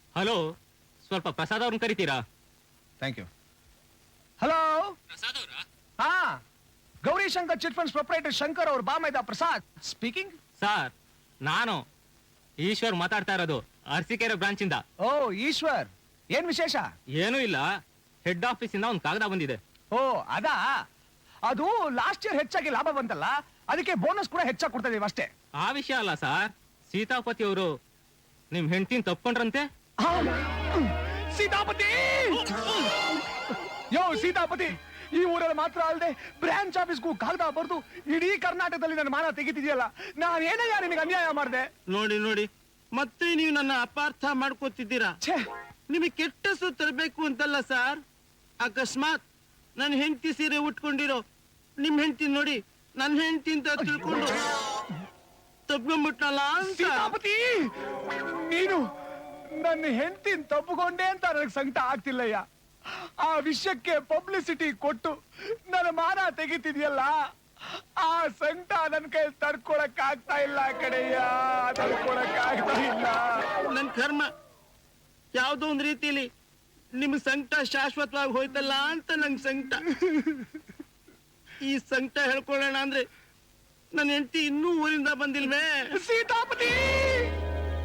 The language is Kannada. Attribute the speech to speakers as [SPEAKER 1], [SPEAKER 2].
[SPEAKER 1] ಹಲೋ, ಸ್ವಲ್ಪ ಪ್ರಸಾದ್ ಅವ್ರನ್ನ ಕರಿತೀರಾ?
[SPEAKER 2] Thank you. ಹಲೋ,
[SPEAKER 1] ಪ್ರಸಾದ್ ಅವರ?
[SPEAKER 2] ಹಾ, Gauri Shankar chit funds proprietor Shankar ಅವ್ರ ಬಾಮೈದ ಪ್ರಸಾದ್ ಸ್ಪೀಕಿಂಗ್.
[SPEAKER 1] ಸರ್, ನಾನು ಈಶ್ವರ್ ಮಾತಾಡ್ತಾ ಇರೋದು, ಅರಸೀಕೆರೆ ಬ್ರಾಂಚ್ ಇಂದ.
[SPEAKER 2] ಓ ಈಶ್ವರ್, ಏನ್ ವಿಶೇಷ?
[SPEAKER 1] ಏನೂ ಇಲ್ಲ, ಹೆಡ್ ಆಫೀಸ್ ಇಂದ ಒಂದು ಕಾಗದ ಬಂದಿದೆ.
[SPEAKER 2] ಓ ಅದಾ, ಅದು ಲಾಸ್ಟ್ ಇಯರ್ ಹೆಚ್ಚಾಗಿ ಲಾಭ ಬಂತಲ್ಲ, ಅದಕ್ಕೆ ಬೋನಸ್ ಕೂಡ ಹೆಚ್ಚಾಗಿ ಕೊಡ್ತಾ ಇದೀವಿ ಅಷ್ಟೇ.
[SPEAKER 1] ಆ ವಿಷಯ ಅಲ್ಲ ಸರ್, ಸೀತಾಪತಿ ಅವರು ನಿಮ್ ಹೆಂಡತಿನ ತಪ್ಕೊಂಡ್ರಂತೆ.
[SPEAKER 2] ಸೀತಾಪತಿ, ಯೋ ಸೀತಾಪತಿ, ಈ ಊರಲ್ಲಿ ಮಾತ್ರ ಅಲ್ಲದೆ ಬ್ರಾಂಚ್ ಆಫೀಸ್ಗೂ ಕಾಗದ ಬರ್ದು ಇಡೀ ಕರ್ನಾಟಕದಲ್ಲಿ ನನ್ನ ಮಾನ ತೆಗಿತಿದ್ಯಲ್ಲ, ನಾನು ಏನಯ್ಯ ನಿನಗೆ ಅನ್ಯಾಯ ಮಾಡಿದೆ?
[SPEAKER 3] ನೋಡಿ ನೋಡಿ, ಮತ್ತೆ ನೀವು ನನ್ನ ಅಪಾರ್ಥ ಮಾಡ್ಕೋತಿದ್ದೀರಾ. ನಿಮಗೆ ಕೆಟ್ಟ ಹೆಸರು ತರಬೇಕು ಅಂತಲ್ಲ ಸರ್, ಅಕಸ್ಮಾತ್ ನನ್ನ ಹೆಂಡತಿ ಸೀರೆ ಉಟ್ಕೊಂಡಿರೋ ನಿಮ್ ಹೆಂಡತಿ ನೋಡಿ ನನ್ನ ಹೆಂಡತಿ ಅಂತ ತಿಳ್ಕೊಂಡು ತಪ್ಕೊಂಡ್ಬಿಟ್ನಲ್ಲ ಅಂತ.
[SPEAKER 2] ಸೀತಾಪತಿ, ನೀನು ನನ್ನ ಹೆಂಡತಿನ ತಪ್ಪುಕೊಂಡೆ ಅಂತ ನನಗೆ ಸಂಕಟ ಆಗ್ತಿಲ್ಲಯ್ಯ. ಆ ವಿಷಯಕ್ಕೆ ಪಬ್ಲಿಸಿಟಿ ಕೊಟ್ಟು ನನ್ನ ಮಾನ ತೆಗಿತಿದ್ಯಲ್ಲ, ಆ ಸಂಕಟ ನನ್ನ ಕೈ ತಡ್ಕೊಳಕ್ ಆಗ್ತಾ ಇಲ್ಲ ಕಡೆಯ, ತಡ್ಕೊಳಕ್ ಆಗ್ತಾ ಇಲ್ಲ.
[SPEAKER 3] ನನ್ ಕರ್ಮ ಯಾವ್ದೋ ಒಂದ್ ರೀತಿಲಿ ನಿಮ್ ಸಂಕಟ ಶಾಶ್ವತವಾಗಿ ಹೋಯ್ತಲ್ಲ ಅಂತ ನಂಗೆ ಸಂಕಟ. ಈ ಸಂಕಟ ಹೇಳ್ಕೊಳ್ಳೋಣ ಅಂದ್ರೆ ನನ್ನ ಹೆಂಡತಿ ಇನ್ನೂ ಊರಿಂದ ಬಂದಿಲ್ವೇ?
[SPEAKER 2] ಸೀತಾಪತಿ